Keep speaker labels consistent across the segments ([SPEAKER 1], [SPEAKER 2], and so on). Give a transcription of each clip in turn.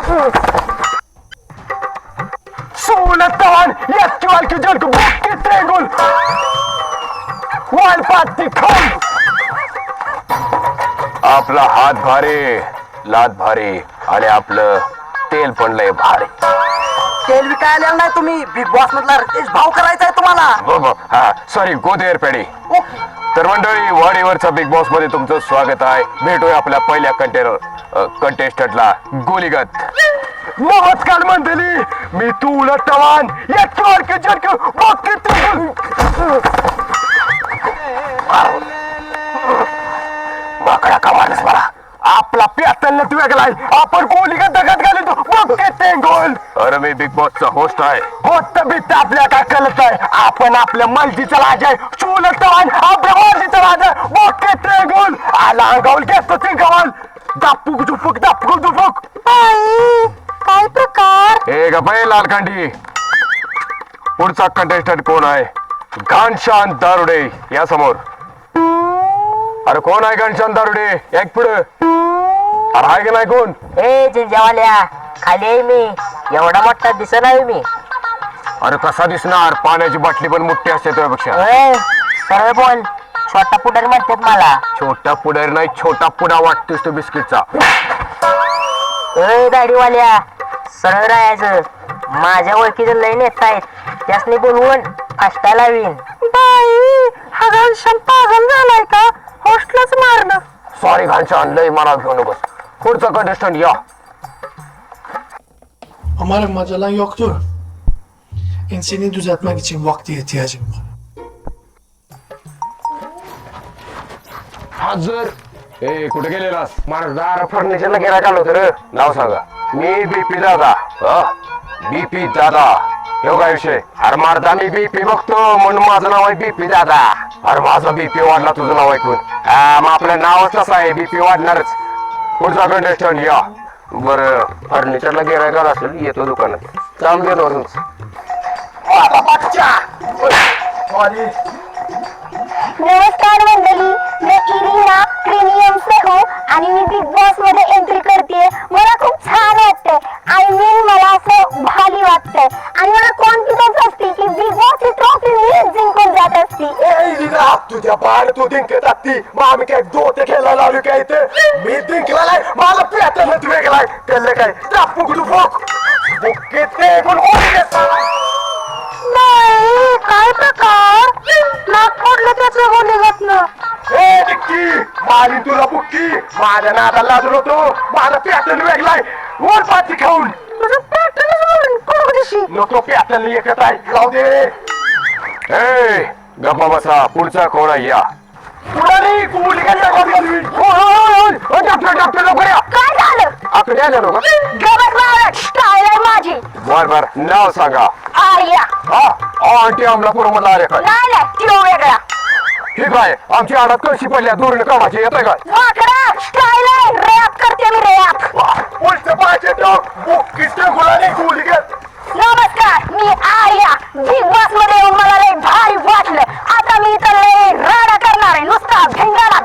[SPEAKER 1] Soletavan, jättevalkig jölk, bucket trängol. वालपाती खाऊन आपला हात भारी, लात भारी आणि आपलं तेल पण लय भारी.
[SPEAKER 2] तेल विकायला नाही तुम्ही, बिग बॉस मधला रितेश भाव करायचा आहे तुम्हाला.
[SPEAKER 1] हा सॉरी गोदेर पेढी. तर मंडळी, वाडीवरचा बिग बॉस मध्ये तुमचं स्वागत आहे. भेटूया आपल्या पहिल्या कंटेस्टंटला गोलीगत. नमस्कार मंडळी, मी तुला तवान याच्यावर जर्क बघते. माकडा का माणूस मला आपला प्यातलच वेगळाय. आपण गोलीगत दगत घालतो बघते ते गोल. अरे मी बिग बॉसचा होस्ट आहे. होत बीत आपल्या काय कळत आहे. आपण आपल्या मर्जीचा राज आहे. चुलत तवान आपल्या मर्जीचा राज आहे. बघते ते गोल आला अंगावर घेतो ते गवाल. दापूक दुपूक दापूक दुपूक.
[SPEAKER 2] काय प्रकार.
[SPEAKER 1] ए गप्पा लालकांडी. पुढचा कंटेस्टंट कोण आहे? घनशांत दारुडे या समोर. अरे कोण आहे घनशांत दारुडे? एक पुढे. अरे आहे का नाही कोण?
[SPEAKER 2] ए जिंजावाल्या, खाली आहे मी. एवढा मोठा दिसत नाही मी.
[SPEAKER 1] अरे कसा दिसणार? पाण्याची बाटली पण मोठी असते तुझ्यापेक्षा.
[SPEAKER 2] सरळ बोल. छोटा पुढारी म्हणतात मला.
[SPEAKER 1] छोटा पुढारी नाही, छोटा पुडा वाटतोस तू बिस्किटचा.
[SPEAKER 2] ए दाढीवाल्या, सरळ राहायचं. माझ्या ओळखीचे लय नेता आहेत, त्यासनी बोलवून फास्टा लावीन. बाई, हा घनश्याम पागल झालाय का? होस्टलाच मारणं.
[SPEAKER 1] सॉरी घनश्याम, लय मला घेऊ नकोस. पुढचा कंटेस्टंट या.
[SPEAKER 3] Umarım macalan yoktur. Enseni düzeltmek için vakti ihtiyacım var.
[SPEAKER 1] हजर. ए कुठे गेलेलास? माझा फर्निचरला गिरायक आलो होतं रे. नाव सांगा. मी बीपी दादा. बीपी दादा. हे काय विषय? अरे माझा मी बीपी बघतो म्हणून माझं नाव आहे बीपी दादा. अरे माझा बीपी वाढला तुझं नाव ऐकून. मग आपलं नावच कसं आहे, बीपी वाढणारच. पुढचा कंटेस्टंट या. बरं फर्निचरला गिरायक आला असेल, येतो दुकानात. चालू दे रोज.
[SPEAKER 4] नमस्कार मंडळी, मी इरिना प्रीमियम से हूँ आणि मी बिग बॉस मध्ये एंट्री करते. मला खूप छान वाटतंय. आय मीन मला असं भारी वाटतंय आणि मला कॉन्फिडन्स असते की बिग बॉस ची ट्रॉफी मीच जिंकून जात असती.
[SPEAKER 1] तुझ्या बाहेर तू जिंकत असती. मग आम्ही काय दोते खेळायला लावली काय इथे? मी जिंकलाय, मला प्यातलच वेगळाय. कळलं काय? दापूक दुपूक बुक्के ते कोण
[SPEAKER 4] नाही, काय प्रकार. नाक फोडलं त्याचं गोलीगतनं.
[SPEAKER 1] ए डिक्की, माझी तुला बुक्की. माझ्या नादाला लाजून होतो. माझा प्यातल वेगलाय. वर पाची खाऊन
[SPEAKER 4] तुझं पॅटर्नच म्हणून कोणीशी
[SPEAKER 1] नको प्यातल एकच आहे. जाऊ दे. ए गप्पा बसा. पुढचा कोण आहे या. डॉक्टर लवकर या.
[SPEAKER 4] काय झालं?
[SPEAKER 1] आकडे आले लोक.
[SPEAKER 4] गबस महाराज, स्टाईल आहे माझी.
[SPEAKER 1] बर बर, नाव सांगा.
[SPEAKER 4] आर्या.
[SPEAKER 1] हा आंटी अमलापूर मधला आले काय?
[SPEAKER 4] नाही नाही, तो वेगळा.
[SPEAKER 1] ठीक आहे. आमची आडात कळशी पडल्या दूरने कामाची येत आहे काय?
[SPEAKER 4] वाकडा स्टाईल आहे. रॅप करते मी, रॅप.
[SPEAKER 1] उलट पाहिजे गुलाने गोली घेत.
[SPEAKER 4] नमस्कार, मी आर्या. बिग बॉस मध्ये येऊन मला लय भारी वाटलं. आता मी इथं लय राडा करणार आहे. नुसता भिंगाला.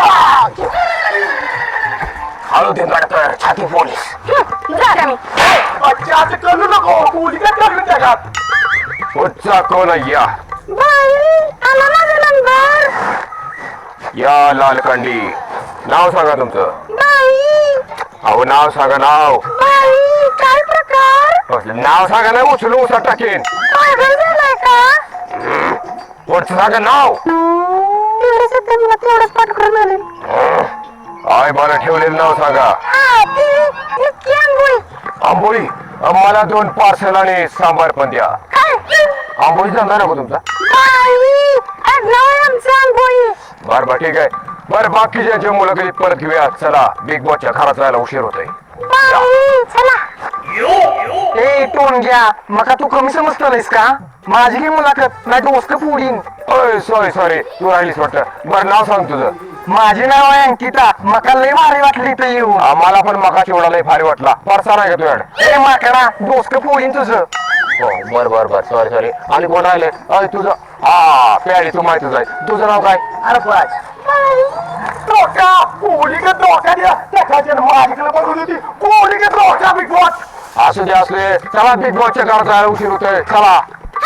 [SPEAKER 1] हळू दे मॅडम, छाती पोलीस.
[SPEAKER 4] जा मी.
[SPEAKER 1] असं करू नको. गोली काय करून टाकात. पुढचा कोण आहे या.
[SPEAKER 4] बाई, आला माझा नंबर.
[SPEAKER 1] या लालकांडी. नाव सांगा तुमचं.
[SPEAKER 4] बाई,
[SPEAKER 1] अहो नाव सांगा नाव.
[SPEAKER 4] बाई, काय प्रकार.
[SPEAKER 1] नाव सांगा ना, उचलून उचल टाकेन.
[SPEAKER 4] पागल झालाय का?
[SPEAKER 1] पुढचं सांगा नाव.
[SPEAKER 4] तेवढंच येतं मला, तेवढंच पाठ करून आले.
[SPEAKER 1] आय बरं ठेवलेलं नाव सांगा.
[SPEAKER 4] हा, ती आंबोळी.
[SPEAKER 1] आंबोळी. मला 2 पार्सल आणि सांबार पण द्या.
[SPEAKER 4] काय?
[SPEAKER 1] आंबोळी सांगा नको तुमचा.
[SPEAKER 4] बाई, आडनाव आहे आमचं आंबोळी.
[SPEAKER 1] बर बर ठीक आहे. बरं बाकीच्या मुलाखती परत घेऊया. चला, बिग बॉसच्या खराच व्हायला उशीर होतोय.
[SPEAKER 4] बाई, चला.
[SPEAKER 2] ए टोनग्या, मका तू कमी समजतोयस का? माझी काही मुलाखत नाही, डोसकं फोडीन.
[SPEAKER 1] सॉरी सॉरी, तू राहिलीस वाटतं. बरं नाव सांग तुझं.
[SPEAKER 2] माझे नाव आहे अंकिता. मका लय भारी वाटली इथं येऊन.
[SPEAKER 1] मला पण मका चिवडा लय भारी वाटला. परसा नाही का तुझ्याकडे?
[SPEAKER 2] ए माकडा, डोसकं फोडीन तुझं.
[SPEAKER 1] हो बर बर बर, सॉरी सॉरी. आणि कोण राहिले? तुझं. हा प्याडी, तू माहितीच आहे. तुझं नाव काय?
[SPEAKER 2] अरे बस.
[SPEAKER 1] डोका गोली का डोका द्या. एखाद्या माझ्याकडे बघून होती कोणी घेतलं होता बिग बॉस असू दे असले चला बिग बॉसच्या घरात जायला उशीर होतोय चला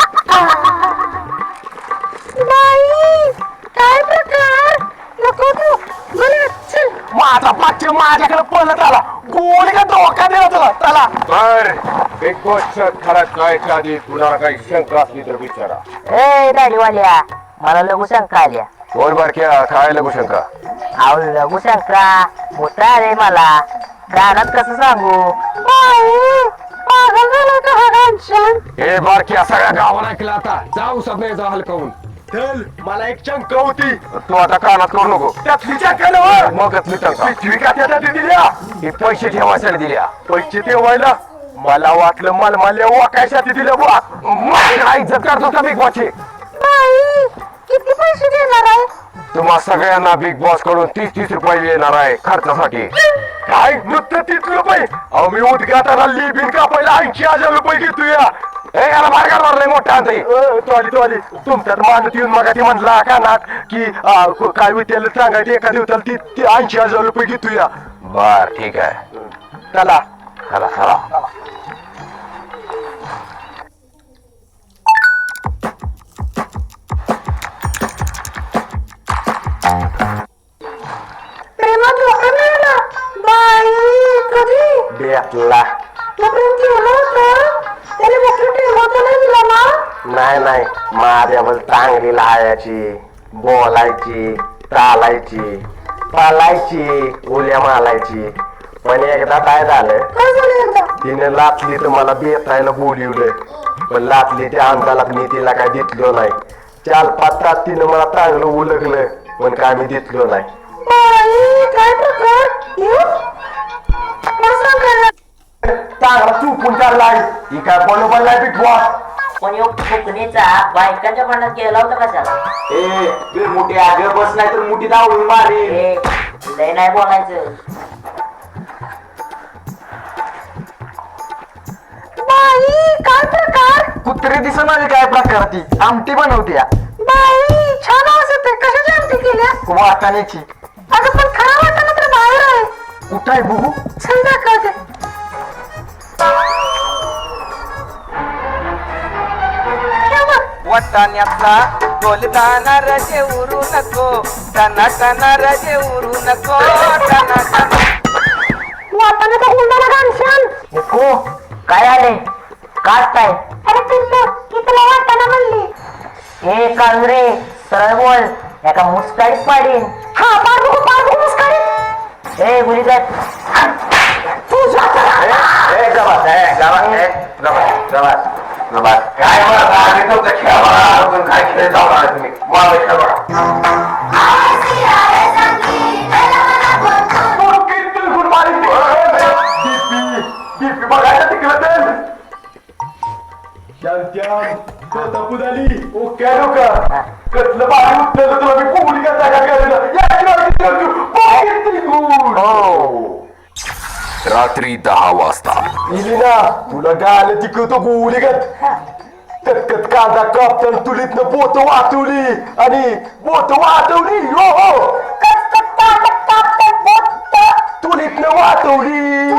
[SPEAKER 4] बाई काय प्रकार नको तू मला चल
[SPEAKER 1] माझा पाच्य माझ्याकडे पळत आला कोणी का धोका दिला तुला चला बर बिग बॉसच्या घरात जायच्या आधी तुला काही शंका असली तर विचारा
[SPEAKER 2] ए दाढीवाल्या मला लघु शंका आल्या
[SPEAKER 1] बोल बारक्या काय लागू शंका
[SPEAKER 2] अहो लघु शंका मोठा रे मला गाण्यात कसं सांगू
[SPEAKER 4] पागल झाला का हा घनश्याम
[SPEAKER 1] हे बारक्या सगळ्या गावाला ऐकलं आता जाऊ सगळे जा हलकावून
[SPEAKER 5] चल मला एक शंका होती
[SPEAKER 1] तू आता कानात करू नको
[SPEAKER 5] त्यातली शंका
[SPEAKER 1] मग कसली शंका
[SPEAKER 5] पिशवी का त्यात दिल्या
[SPEAKER 1] हे पैसे ठेवायसाठी दिल्या
[SPEAKER 5] पैसे ठेवायला मला वाटलं मलमाल्या वाकायसाठी दिलं बुवा
[SPEAKER 1] काय इज्जत करतो का बिग बॉसची
[SPEAKER 4] बाई किती पैसे देणार आहे
[SPEAKER 1] तुम्हा सगळ्यांना बिग बॉस कडून 30-30 रुपये येणार आहे खर्चासाठी
[SPEAKER 5] काय नुसतं 30 रुपये अहो मी उद्घाटनाला लिबिन कापायला 80,000 रुपये घेतो या
[SPEAKER 1] ए याला मार्गावर मारलंय मोठा अंतरी
[SPEAKER 5] तो तुमच्यात मानत येऊन मग ती म्हणला कानात की काय विद्याला सांगायचं एका दिवसाला ती 80,000 रुपये घेतो या
[SPEAKER 1] बर ठीक आहे
[SPEAKER 5] चला
[SPEAKER 1] चला चला
[SPEAKER 4] प्रेमात धोका मिळाला बाई कधी
[SPEAKER 1] भेटला
[SPEAKER 4] तो प्रेम केलं होतं त्याने मोठं ठेवता नाही दिला ना
[SPEAKER 1] नाही माझ्यावर चांगली लायाची बोलायची चालायची पालायची उल्या मालायची पण एकदा काय झालं
[SPEAKER 4] काय झालं एकदा
[SPEAKER 1] तिने लाचली तर मला बेतायला बोलिवलं पण लाचलीच्या अंदालात मी तिला काय दिसलो नाही 4-5 तास तिनं मला चांगलं उलगलं पण काय मी दिसलो नाही
[SPEAKER 4] बाई काय प्रकार मला सांगायला
[SPEAKER 5] चांगला चुकून चाललाय ही काय बरोबर नाही बिग बॉस
[SPEAKER 2] पण यो फुकणीचा बायकांच्या मनात गेला होता कशाला
[SPEAKER 5] ए मोठी आगे बस नाही तर मोठी धावून मारे
[SPEAKER 2] ए लय नाही बोलायचं
[SPEAKER 4] बाई काय प्रकार
[SPEAKER 5] कुत्री दिसत आली काय प्रकार ती आमटी बनवते
[SPEAKER 4] बाई छान आवाज येते कशाची आमटी केल्या
[SPEAKER 5] वाटाण्याची
[SPEAKER 4] अगं पण खरा वाटणं तर बाहेर आहे
[SPEAKER 5] कुठं आहे बघू
[SPEAKER 4] चल दाखवते
[SPEAKER 6] वाटाण्यातला बोलताना रजे उरू नको टना टना रजे उरू नको टना टना
[SPEAKER 4] वाटाणा तर हुंडाला घनश्याम
[SPEAKER 2] नको काय आले काच काय
[SPEAKER 4] अरे पिल्लू की तुला वाटाणा म्हणली
[SPEAKER 2] ए कांगरे सरळ बोल एका मुस्काळीत पाडीन
[SPEAKER 4] हा पाडू मुस्काळी
[SPEAKER 2] ए गुलीगत
[SPEAKER 4] तू जाता
[SPEAKER 1] काय काय खेळ जाऊ तुम्ही मला खेळ बघा
[SPEAKER 5] बीपी बघायला तिकडं तर शांत्याम तपू झाली ओके लोका कसलं बाहेर उठलं तुला मी कोणी का जागा
[SPEAKER 1] रात्री 10 वाजता
[SPEAKER 5] इलिना तुला गाल तिकवतो गोळीगत कटकट कांदा कापताना तुलीतनं बोट वाटवली आणि बोट वाटवली हो हो तुलीतनं वाटवली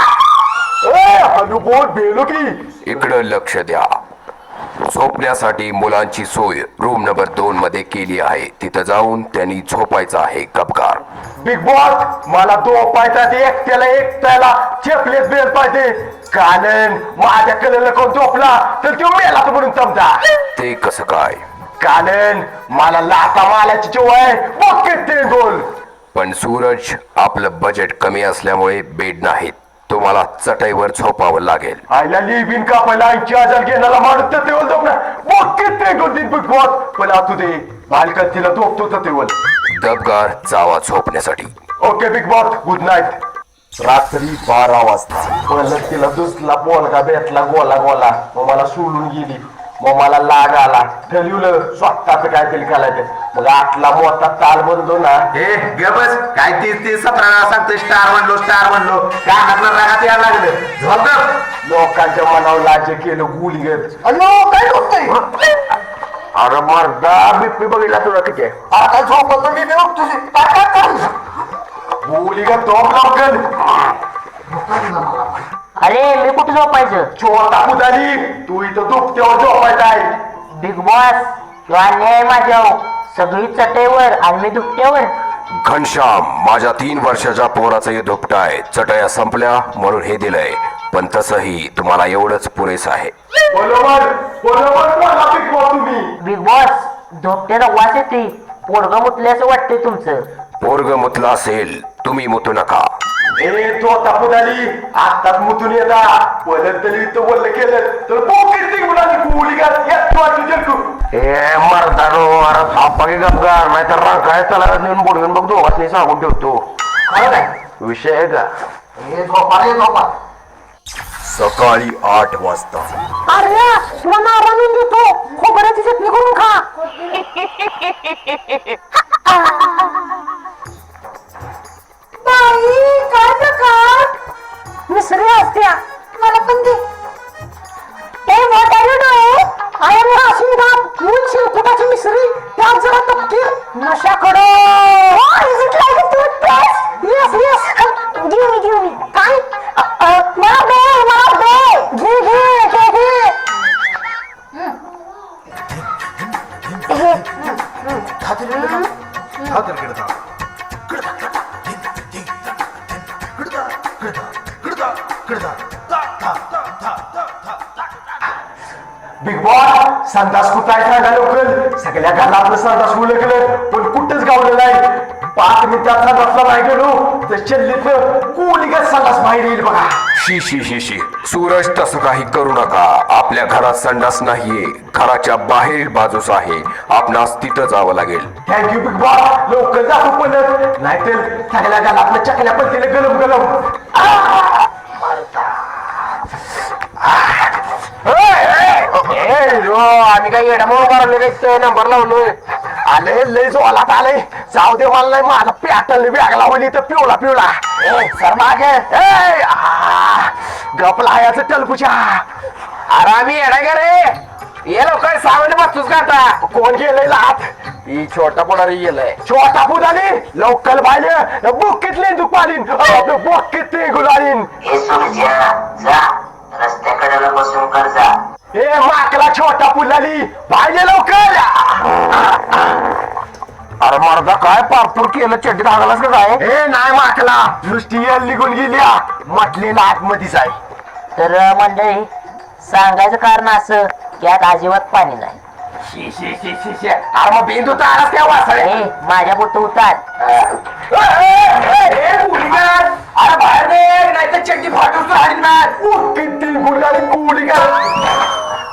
[SPEAKER 5] हॅलो बोट बेलो की
[SPEAKER 1] इकडं लक्ष द्या झोपण्यासाठी मुलांची सोय रूम नंबर 2 मध्ये केली आहे तिथं जाऊन त्यांनी झोपायचं आहे गपकार
[SPEAKER 5] बिग बॉस मला झोपायचा ते एकट्याला चेपलेच बेल पाहिजे कारण माझ्या कलेला कोण झोपला तर तो मेला तर म्हणून समजा
[SPEAKER 1] ते कसं काय
[SPEAKER 5] कारण मला लाता मालाची चोय आहे बघ ते गोल
[SPEAKER 1] पण सूरज आपलं बजेट कमी असल्यामुळे बेड नाहीत तुम्हाला चटईवर झोपावं लागेल
[SPEAKER 5] आईला लिबिन कापायला 80,000 घेण्याला माणूस तर तेवढं झोपणार बघ ते गोल दिन बिग बॉस पण आता दे बालकन तिला झोपतो तर तेवढ
[SPEAKER 1] दबगार जावा झोपण्यासाठी
[SPEAKER 5] okay Bigg Boss good night रात्री 12 वाजता परत तिला दुसला बोलगा भेटला गोला मग मला सोडून गेली मग मला लाग आला ठरवलं स्वतःच काहीतरी करायचं मग आतला मोठा ताल बनलो ना
[SPEAKER 7] हे बस काय 30-17 सांगतोय स्टार म्हणलो कानातलं रागात यायला लागलं झोप
[SPEAKER 5] लोकांच्या मनावर राज्य केलं गुलीगत अयो काय होतंय
[SPEAKER 1] अरे मर्दा बिप्पी बघितला तुला किती
[SPEAKER 5] आता झोपतो मी तुझी गोली का दोन लवकर.
[SPEAKER 2] अरे मी कुठे झोपायचं?
[SPEAKER 5] छोटा पुदारी तू इथं दुपट्यावर झोपायचा आहे.
[SPEAKER 2] बिग बॉस किंवा अन्याय माझ्यावर, सगळी चटईवर आणि मी दुपट्यावर.
[SPEAKER 1] घनश्याम, माझ्या 3 वर्षाच्या पोराचं हे धुपट आहे. चटया संपल्या म्हणून हे दिलंय, पण तसंही तुम्हाला एवढंच पुरेस आहे.
[SPEAKER 5] बरोबर बरोबर बोला Big Boss तुम्ही.
[SPEAKER 2] बिग बॉस धोपट्याचा वास येते, पोरगं मुतले असं वाटतंय तुमचं.
[SPEAKER 1] पोरग मुतला असेल, तुम्ही मुतू नका.
[SPEAKER 5] ए छोटा पुदारी आत्ताच मुतून येता. परत तरी इथं बोललं केलं तर पोकेट मुलांनी गोली घाल येतो तू.
[SPEAKER 1] ए मर्दानो, अरे थापाकी गपगार, नाहीतर काय त्याला नेऊन बोलून बघ दोघांनी सांगून ठेवतो. विषय आहे का? सकाळी 8 वाजता.
[SPEAKER 3] अरे तुला मारा मी देतो, खोबऱ्याची चटणी करून खा. बाई काय प्रकार, मिसरी असत्या मला पण दे. ए what are you doing? I am Rashida, मूळ शिरकुटाची मिसरी, त्यात जरा तपकीर, नशाकडे. Is it like a toothpaste? Yes yes. Give me काय? मला दे घे घे घे घे.
[SPEAKER 5] बिग बॉस संडास कुठं आहे सांगा लवकर. सगळ्या घरातलं संडास उलगलं पण कुठंच गावलं नाही. 5 मिनिटात संडासला नाही गेलो तर चल्लीतलं गोलीगत संडास बाहेर येईल बघा.
[SPEAKER 1] शी शी शी शी, सूरज तसं काही करू नका. आपल्या घरात संडास नाहीये, घराच्या बाहेर बाजूस आहे. आपणास तिथं जावं लागेल.
[SPEAKER 5] Thank you Bigg Boss. लवकर जातो पण नाहीतर सगळ्या घरातलं चकल्या पलतीला गलम गलम.
[SPEAKER 1] आम्ही काही येडामोड मारले नंबर लावलोय.
[SPEAKER 5] आले लय जोलात आले. जाऊ दे मला नाही, माझा पॅटर्न बॅग लावली तर पिवळा पिवळा. सर मागे गपला याचं टलकुच्या.
[SPEAKER 1] अरे आम्ही येडा गे रे, ये लवकर सावंत बसतोस का आता?
[SPEAKER 5] कोण गेलंय लात?
[SPEAKER 1] ही छोटा पुढारी गेलाय.
[SPEAKER 5] छोटा पुदाली लवकर पाहिजे बुक्कीतले तू पालीन बुक्कीतले गुलालीन.
[SPEAKER 2] रस्त्याकडे बसून कर जा.
[SPEAKER 5] ए माकला छोटा पुलाली पाहिजे लवकर.
[SPEAKER 1] अरे मर्दा, काय पारपूर केलं, चड्डी धागलास का काय?
[SPEAKER 5] ए नाही माकला, नुसती येल निघून गेली. म्हटलेला आतमध्येच आहे.
[SPEAKER 2] तर मंडळी, सांगायचं कारण असं की यात अजिबात पाणी नाही.
[SPEAKER 5] शी शी शी शी शी. अरे मग बिंदू तर आलाच त्या वासळे.
[SPEAKER 2] ए माझ्या पुरतं उतार.
[SPEAKER 5] अरे बाहेर दे नाही तर चड्डी फाटून राहील ना. किती गुलाली गुलिगा.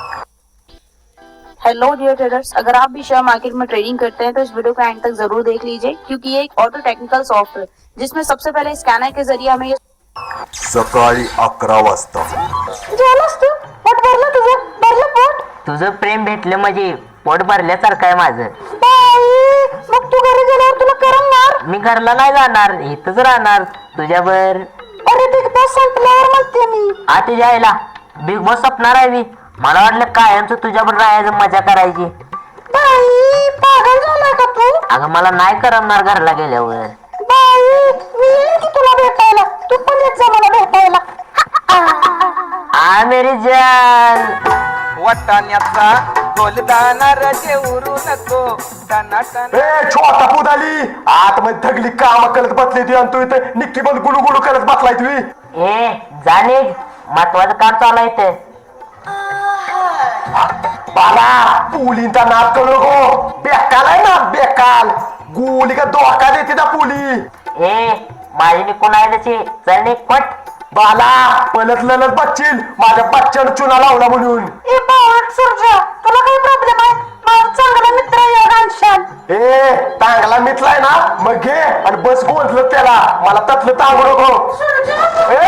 [SPEAKER 8] हेलो डियर ट्रेडर्स, अगर आप भी शेयर मार्केट में ट्रेडिंग करते हैं तो इस वीडियो को एंड तक जरूर देख लीजिए, क्योंकि ये एक ऑटो टेक्निकल सॉफ्टवेयर जिसमें सबसे पहले स्कैनर के जरिए हमें ये
[SPEAKER 1] सकाळी 11 वाजता.
[SPEAKER 3] जेवलास तू? पोट भरलं तुझं? भरलं पोट?
[SPEAKER 2] तुझं प्रेम भेटलं म्हणजे पोट भरल्यासारखं आहे माझं.
[SPEAKER 3] बाई मग तू घरी गेल्यावर तुला करमणार?
[SPEAKER 2] मी घरला नाही जाणार, इथंच राहणार तुझ्यावर.
[SPEAKER 3] अरे बिग बॉस संपल्यावर म्हणते मी.
[SPEAKER 2] आता जायला बिग बॉस सपणार आहे मी. मला वाटलं कायमचं तुझ्यावर राहायचं, मजा करायची.
[SPEAKER 3] बाई पागल झालाय का तू?
[SPEAKER 2] अगं मला नाही करमणार घरला गेल्यावर.
[SPEAKER 3] बाई मी येईन की तुला भेटायला, तू पण येत जा मला भेटायला.
[SPEAKER 2] आ मेरी जान.
[SPEAKER 6] वाटाण्याचा गोलदाना रजे उरू नको. टना टना
[SPEAKER 5] ए छोटा पुदाली आतमध्ये थगली काम करत बसली ती आणि तू इथे निक्की बंद गुलू गुलू करत बसलाय तुम्ही.
[SPEAKER 2] ए जाणे, महत्वाचं काम चालू आहे ते.
[SPEAKER 5] बाला पुलींचा नाद करू नको. बेकाल आहे ना बेकाल. गोली का धोका देते ना पुली.
[SPEAKER 2] ए माझी निकून आहे तशी, चल निक पट.
[SPEAKER 5] बाला पलत ललत बच्चील माझ्या बच्चन चुना लावला म्हणून.
[SPEAKER 3] ए बावट सर्जा, तुला काही प्रॉब्लेम आहे? माझा चांगला मित्र आहे घनश्याम.
[SPEAKER 5] ए चांगला मितलाय ना मग घे आणि बस गोंधलं त्याला. मला तसलं तांगू नको. ए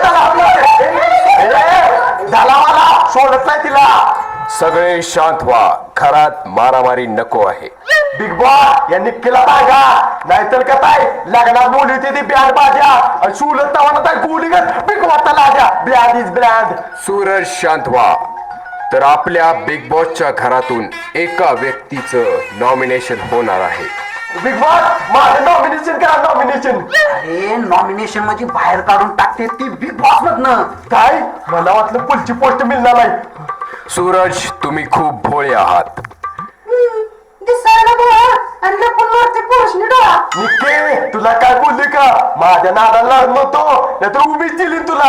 [SPEAKER 5] झाला मला सोडत नाही तिला.
[SPEAKER 1] सगळे शांत व्हा, घरात मारामारी नको आहे.
[SPEAKER 5] बिग बॉस यांनी केला पाहिजा नाहीतर का काय लग्नात बोलली होती ती बँड बाजा आणि सुलत तवाना काय गोली बिग वाटता लाजा. Brand is brand.
[SPEAKER 1] सूरज शांत व्हा. तर आपल्या बिग बॉसच्या घरातून एका व्यक्तीचं नॉमिनेशन होणार आहे.
[SPEAKER 5] बिग बॉस माझं नॉमिनेशन करा नॉमिनेशन.
[SPEAKER 7] अरे नॉमिनेशन म्हणजे बाहेर काढून टाकते ती बिग बॉस मधनं.
[SPEAKER 5] काय मला वाटलं पुढची पोस्ट मिळणार नाही.
[SPEAKER 1] सूरज तुम्ही खूप भोळे आहात.
[SPEAKER 3] दिसायला बोला आणि लपून मारते पोषणी डोळा.
[SPEAKER 5] निके तुला काय बोलली का माझ्या नादाला नव्हतो नाही तर उभीच दिली तुला.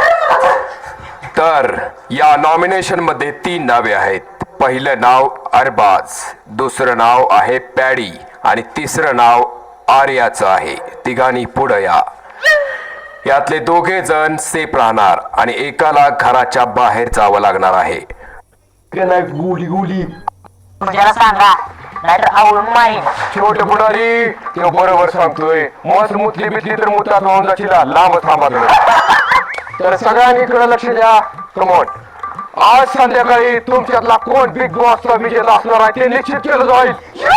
[SPEAKER 1] तर या नॉमिनेशन मध्ये 3 नावे आहेत. पहिलं नाव अरबाज, दुसरं नाव आहे पॅडी आणि तिसरं नाव आर्याचं आहे. तिघांनी पुढं या. यातले 2 जण सेफ राहणार आणि एकाला घराच्या बाहेर जावं लागणार आहे.
[SPEAKER 5] नाही गुली गुली
[SPEAKER 2] तुझ्याला सांगा नाहीतर आवडून मारीन.
[SPEAKER 1] छोटे पुढारी ते बरोबर सांगतोय. मस्त मुतली बितली तर मुतात वाहून जाशील. लांब थांबा तुम्ही. तर सगळ्यांनी इकडे लक्ष द्या. प्रमोट आज संध्याकाळी तुमच्यातला कोण बिग बॉसचा विजेता असणार आहे ते निश्चित केलं जाईल.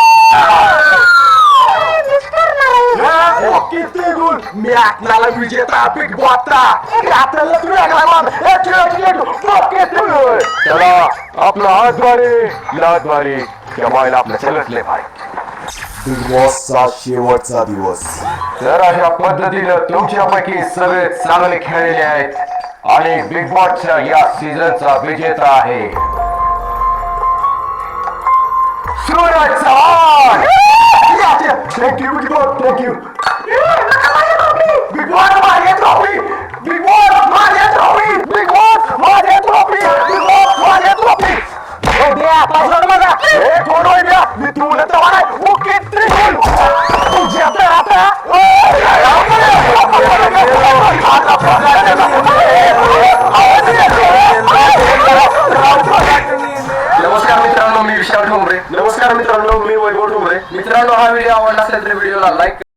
[SPEAKER 5] किती गुण मी आपल्याला विजेता बिग बॉसचा आपल्याला
[SPEAKER 1] चला आपला हातवारी त्या बायला आपल्या सगळ्यातले भाई.
[SPEAKER 5] बिग बॉसचा शेवटचा दिवस.
[SPEAKER 1] तर अशा पद्धतीनं तुमच्यापैकी सगळे चांगले खेळलेले आहेत आणि बिग बॉसच्या या सीझनचा विजेता आहे Suraj Chavan.
[SPEAKER 5] Thank you Bigg Boss thank you. Bigg Boss माझ्या ट्रॉफी. बिग बॉस माझ्या ट्रॉफी. बिग बॉस माझ्या ट्रॉफी. बिग बॉस माझ्या ट्रॉफी. मी तुला ओके तुझ्या
[SPEAKER 1] नमस्कार मित्रांनो, मी विशाल ठोंबरे.
[SPEAKER 5] नमस्कार मित्रांनो मी वैभव ठोंबरे.
[SPEAKER 1] मित्रांनो, हा व्हिडिओ आवडला असेल तर व्हिडिओला लाईक